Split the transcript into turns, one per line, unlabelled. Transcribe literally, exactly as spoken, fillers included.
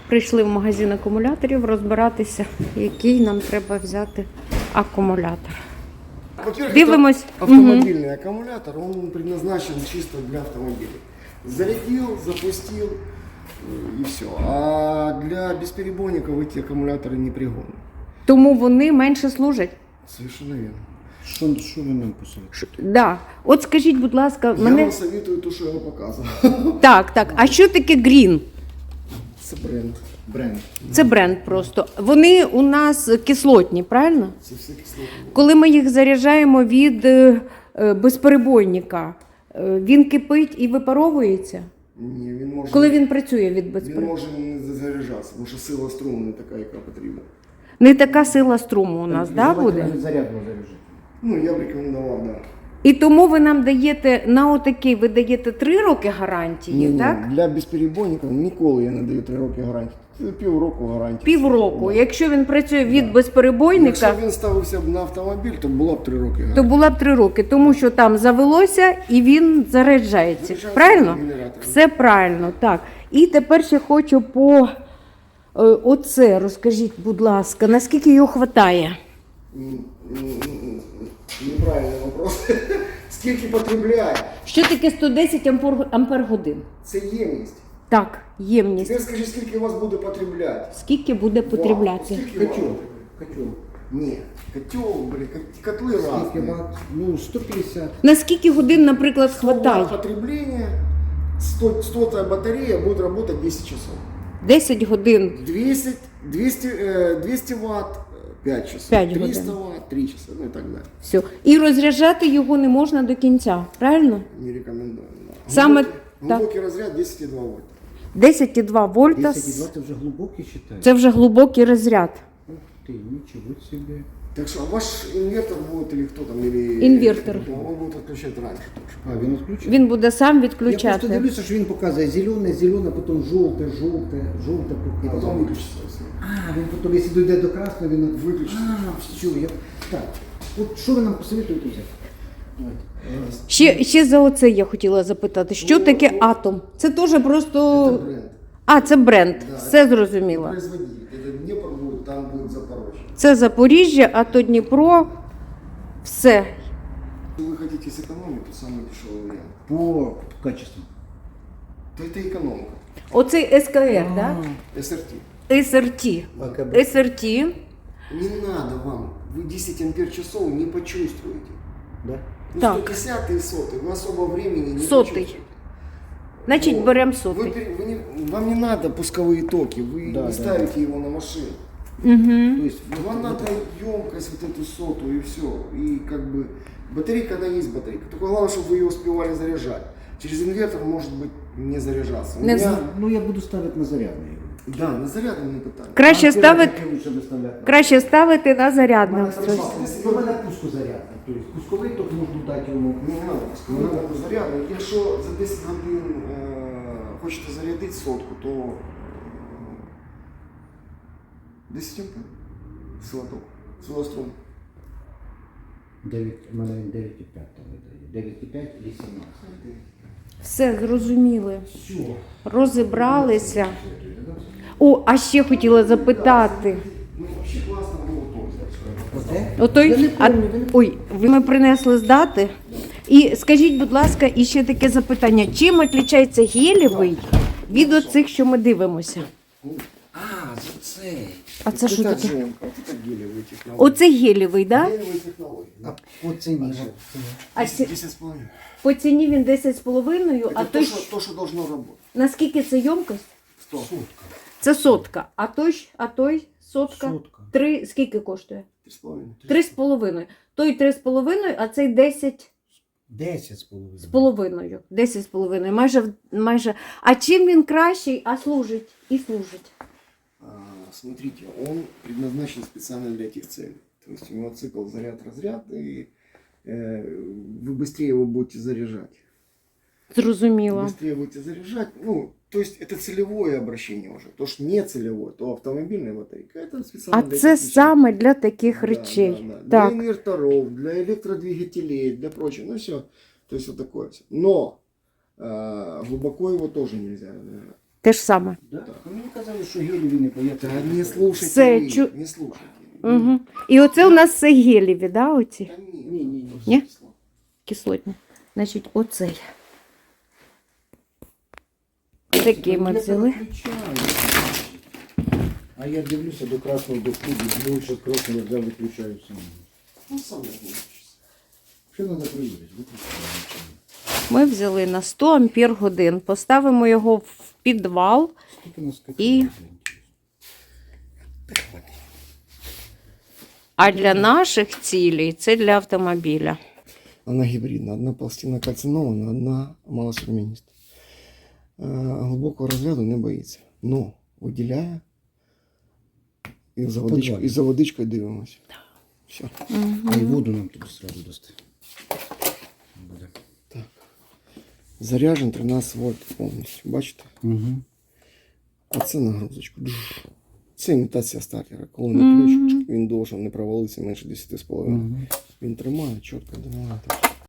Прийшли в магазин акумуляторів розбиратися, який нам треба взяти акумулятор.
Во-первых,
Дивимось.
это автомобильный угу. аккумулятор, он предназначен чисто для автомобилей. Зарядил, запустил и все. А для бесперебойников эти аккумуляторы не пригодны.
Тому вони менше служать?
Совершенно верно.
Що, що ви нам посоветуєте?
Да. От скажіть, будь ласка,
Я
мене...
вам советую то, що я вам показував.
Так, так. А що таке Green?
Це бренд.
Бренд.
Це бренд просто. Вони у нас кислотні, правильно?
Це все кислотні.
Коли ми їх заряджаємо від е, е, безперебойника, е, він кипить і випаровується?
Ні, він може,
Коли він працює від
він
безперебойника?
може не заряджатися, тому що сила струму не така, яка потрібна.
Не така сила струму у нас, да, буде?
Зарядно заряджати.
Ну, я б рекомендував, так. Да.
І тому ви нам даєте на отакий, ви даєте три роки гарантії,
Ні,
так?
Для безперебойників ніколи я не даю три роки гарантії. Це півроку гарантії.
Півроку.
Да.
Якщо він працює від
Да.
безперебойника,
Якщо він ставився б на автомобіль, то було б три роки гарантії.
то була б три роки, тому що там завелося і він заряджається.
Заряджається
Правильно?
генератором.
Все правильно, так. І тепер ще хочу по е, оце, розкажіть, будь ласка, наскільки його вистачає?
М, м, м, Неправильний вопрос. Скільки потребляє?
Що таке сто десять ампер, ампер годин?
Це ємність.
Так, ємність.
Тепер скажи, скільки у вас буде потребляти?
Скільки буде
Вау,
потребляти?
скільки
Котел.
ватт?
Котел.
Ні, котел, блін, кот- котли
Скільки
разні.
ватт? Ну, сто п'ятдесят.
На скільки годин, наприклад,
сто ватт
хватає?
потребления, сто, сотая батарея будет работать десять часов.
десять годин.
двести, двести, э, двести ватт пять часов.
п'ять
триста
годин.
ватт три часа, ну и так далее.
Все. І розряджати його не можна до кінця, правильно?
Не рекомендую. Да.
Саме
глубокий,
так.
глубокий разряд десять целых два вольта.
десять цілих два вольта.
десять і два це вже глибокий вважаєш?
Це вже глибокий розряд.
Ух ти, нічого собі.
Так что ваш инвертор будет или кто там, или...
Инвертор.
Он будет отключать раньше тоже.
А, він відключив?
Він буде сам
Я просто
відключати.
дивлюся, що він показує зелене, зелене, потім жовте, жовте, жовте.
И потом выключится все.
А, він потім, якщо дійде до красного, він
Виключить.
А, все, я... Так, от що ви нам посоветуєте взяти? Давайте. Раз.
Ще, ще за оце я хотіла запитати. Що таке атом? Це теж просто...
Это бренд.
А, це бренд.
Да.
Все зрозуміло.
Производитель. Это Днепр будет, там будет Запорожье.
Це Запоріжжя, а то Дніпро. Все.
Если вы хотите сэкономить, то самый дешевый вариант.
По качеству.
То это экономка.
Оцей СКР, так?
эс эр ти.
Да? СРТ.
АКБ.
СРТ.
Не надо вам, вы десять ампер часов не почувствуете.
Да?
Ну,
Так.
сто пятьдесят и сотый, вы особо времени не
Сотый.
почувствуете.
Значить,
Вот.
беремо
Вы,
сотий.
пере- вы не, вам не надо пусковые токи, вы
Да,
не
да,
ставите его на машину.
Угу.
То есть,
Вам
вот-
надо емкость вот эту сотую и все. И как бы батарейка, она есть батарейка. Только главное, чтобы вы ее успевали заряжать. Через инвертор может быть не заряжаться. У
Не
меня-
Ну, я буду ставити на зарядний.
Да, на зарядном не питание.
Краще
А
ставити,
зарядники лучше доставляти.
краще ставити на
У
зарядне
мене
устройство.
У мене пуску зарядний. Тобто пусковий ток можна дати йому.
Не надо, пусковий надо зарядний. Якщо за десять годин е, хочете зарядити сотку, то е, десять ампер силоток, силострум.
дев'ять, у мене він дев'ять і п'ять там видає. дев'ять і п'ять і сімнадцять.
Все, зрозуміли.
Все.
Розібралися. О, а ще хотіла запитати.
Ну, взагалі класно було то взяти.
Оце?
Отой,
Я не
а,
помню, ви не-
ой, ви ми принесли здати. І скажіть, будь ласка, і ще таке запитання. Чим відрізняється гелєвий від оцих, що ми дивимося?
А, за це.
А це що
Це
таке?
джемка, це гелеві технології.
Оце гелєвий, так? Да?
Гелеві технології.
А по ціні.
А ці-
десять з половиною.
по ціні він десять з половиною, а
Це
той,
то, що, то, що должно работать.
наскільки це ємкость?
Сто.
Це сотка. А той, ж- а той сотка?
Сотка.
Три, скільки коштує?
Три з половиною.
Три з половиною. Той три з половиною, а цей десять
Десять з половиною.
з половиною. Десять з половиною. Майже, в- майже. А чим він кращий, а служить? І служить.
А, смотрите, он предназначен специально для этих целей. То есть у него цикл заряд-разряд, и э, вы быстрее его будете заряжать.
Зрозуміло.
Быстрее будете заряжать. Ну, то есть это целевое обращение уже. То, что не целевое, то автомобильная батарейка, это специально
А
для
це
этих вещей.
саме для таких
Да,
речей.
да, да.
Так.
Для инверторов, для электродвигателей, для прочего. Ну все. То есть вот такое все. Но э, глубоко его тоже нельзя разряжать.
Те ж саме.
Да? Ну, мені казали, що геліві не бояться.
Да не слушайте,
Все,
вы,
чу-
не слушайте.
Угу. І оце у нас все геліві, да, оці?
Да не,
Ні, ні, ні.
Ні? Кислотні. Значить, оцей. Такий ми взяли.
А я дивлюся до красного доску, більше красного я взяв, виключаю сам.
Ну, сам не выключится.
Що треба перевірити? Виключаю.
Ми взяли на сто ампер годин. Поставимо його в підвал.
Скільки нас
І- А для наших цілей це для автомобіля.
Она гибридна. Одна пластина кальцинована, одна малосовміниста. Э, Глибокого розряду не боїться. Но виділяє і за водичкою,
Подвально.
і за водичкою дивимося. Все.
А і воду нам тут сразу дасти. Буде.
Заряджен тринадцять вольт повністю. Бачите?
Угу.
А це нагрузочку. Джуш. Це імітація стартера. Коли на ключ, він должен не провалитися менше десять з половиною.
Угу.
Він тримає чітко, тримає. Так.